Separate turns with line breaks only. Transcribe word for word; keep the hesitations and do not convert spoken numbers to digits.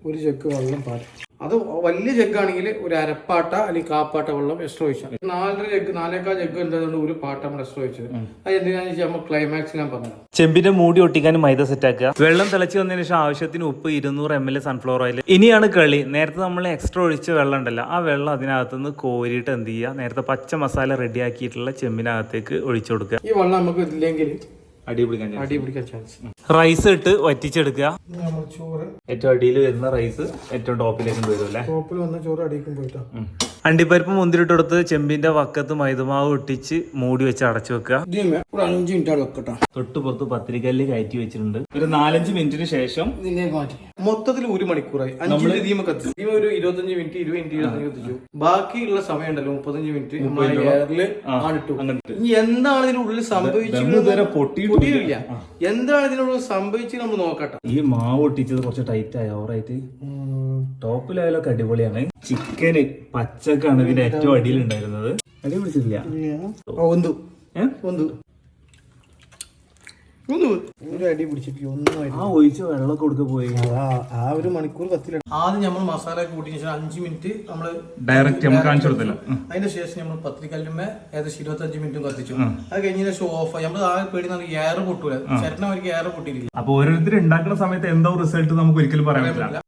ഒരു ജഗ് വെള്ളം പാടും. അത് വലിയ ജഗ്ഗാണെങ്കിൽ ഒരു അരപ്പാട്ട അല്ലെങ്കിൽ കാപ്പാട്ട വെള്ളം എക്സ്ട്രാ ഒഴിച്ചാൽ. നാലര ജഗ് നാലേക്കാൾ ജഗ് എന്തായതുകൊണ്ട് ഒരു പാട്ട നമ്മൾ എക്സ്ട്രാ ഒഴിച്ചത്. അത് എന്തിനാണെന്ന് വെച്ചാൽ നമ്മൾ ക്ലൈമാക്സ് ഞാൻ പറഞ്ഞു.
ചെമ്പിന്റെ മൂടി ഒട്ടിക്കാനും മൈദ സെറ്റ് ആക്കുക. വെള്ളം തിളച്ച് വന്നതിന് ശേഷം ആവശ്യത്തിന് ഉപ്പ് ഇരുന്നൂറ് എം എൽ സൺഫ്ലവർ ഓയിൽ. ഇനിയാണ് കളി. നേരത്തെ നമ്മൾ എക്സ്ട്രാ ഒഴിച്ച വെള്ളം ഉണ്ടല്ലോ, ആ വെള്ളം അതിനകത്തുനിന്ന് കോരിയിട്ട് എന്ത് ചെയ്യുക, നേരത്തെ പച്ച മസാല റെഡി ആക്കിയിട്ടുള്ള ചെമ്പിനകത്തേക്ക് ഒഴിച്ചു കൊടുക്കുക.
ഈ വെള്ളം നമുക്ക് ഇല്ലെങ്കിൽ
അടി പിടിക്കാൻ
അടി പിടിക്കാൻ ചാൻസ്.
റൈസ് ഇട്ട് വറ്റിച്ചെടുക്കുക.
നമ്മൾ ചോറ്
ഏറ്റവും അടിയിൽ വരുന്ന റൈസ് ഏറ്റവും ടോപ്പിലേക്ക് വരും അല്ലേ.
ടോപ്പിൽ വന്ന ചോറ് അടിക്കും പോയിട്ടാ.
അണ്ടിപ്പരിപ്പ് മുന്തിരിട്ടെടുത്ത് ചെമ്പിന്റെ വക്കത്ത് മൈദമാവ് ഒട്ടിച്ച് മൂടി വെച്ച് അടച്ചു വെക്കുക.
ഒരു അഞ്ച് മിനിറ്റ് അവിടെ വെക്കട്ടോ.
തൊട്ട് പുറത്ത് പത്തിരിക്കല്ല് കയറ്റി വെച്ചിട്ടുണ്ട്. ഒരു നാലഞ്ച് മിനിറ്റിന് ശേഷം
മൊത്തത്തിൽ ഒരു മണിക്കൂറായി. അഞ്ച് തീമ കത്തിച്ചു. തീമ ഒരു ഇരുപത്തഞ്ച് മിനിറ്റ് ഇരുപത് മിനിറ്റ് ഇരുപത്തഞ്ച് കത്തിച്ചു. ബാക്കിയുള്ള സമയം ഉണ്ടല്ലോ മുപ്പത്തഞ്ച് മിനിറ്റ് എയറില് ആണിട്ടു. ഇനി എന്താണ് ഇതിനുള്ളിൽ സംഭവിച്ചത് പൊട്ടിയില്ല. എന്താണ് ഇതിനുള്ളിൽ സംഭവിച്ചത് നമ്മൾ നോക്കട്ടെ.
ഈ മാവ് ഒട്ടിച്ചത് കുറച്ച് ടൈറ്റ് ആയി ഓവറായിട്ട്. ടോപ്പ് ലെവലൊക്കെ അടിപൊളിയാണ്. ചിക്കന് പച്ചക്കാണ് ഇതിന്റെ ഏറ്റവും അടിയിൽ ഉണ്ടായിരുന്നത്. അടി പിടിച്ചിട്ടില്ല.
അടി പിടിച്ചിട്ടില്ല ഒന്നും.
ആ ഒഴിച്ച വെള്ളം കൊടുക്ക പോയി.
ആ ഒരു മണിക്കൂർ കത്തില്ല. ആദ്യം നമ്മൾ മസാല കൂട്ടിയ ശേഷം അഞ്ച് മിനിറ്റ് നമ്മള്
ഡയറക്റ്റ് നമ്മൾ കാണിച്ചു കൊടുത്തില്ല.
അതിന് ശേഷം നമ്മൾ പത്രിക്കല്ലുമേ ഏകദേശം ഇരുപത്തി അഞ്ച് മിനിറ്റും കത്തിച്ചു. അത് കഴിഞ്ഞ ശേഷം ഓഫ്. നമ്മൾ ആകെ പേടി എയർ പൊട്ടൂല. ചേട്ടനെ അവർക്ക് എയർ പൊട്ടിയിട്ടില്ല.
അപ്പൊ ഓരോരുത്തർ ഉണ്ടാക്കുന്ന സമയത്ത് എന്തോ റിസൾട്ട് നമുക്ക് ഒരിക്കലും പറയാൻ പറ്റില്ല.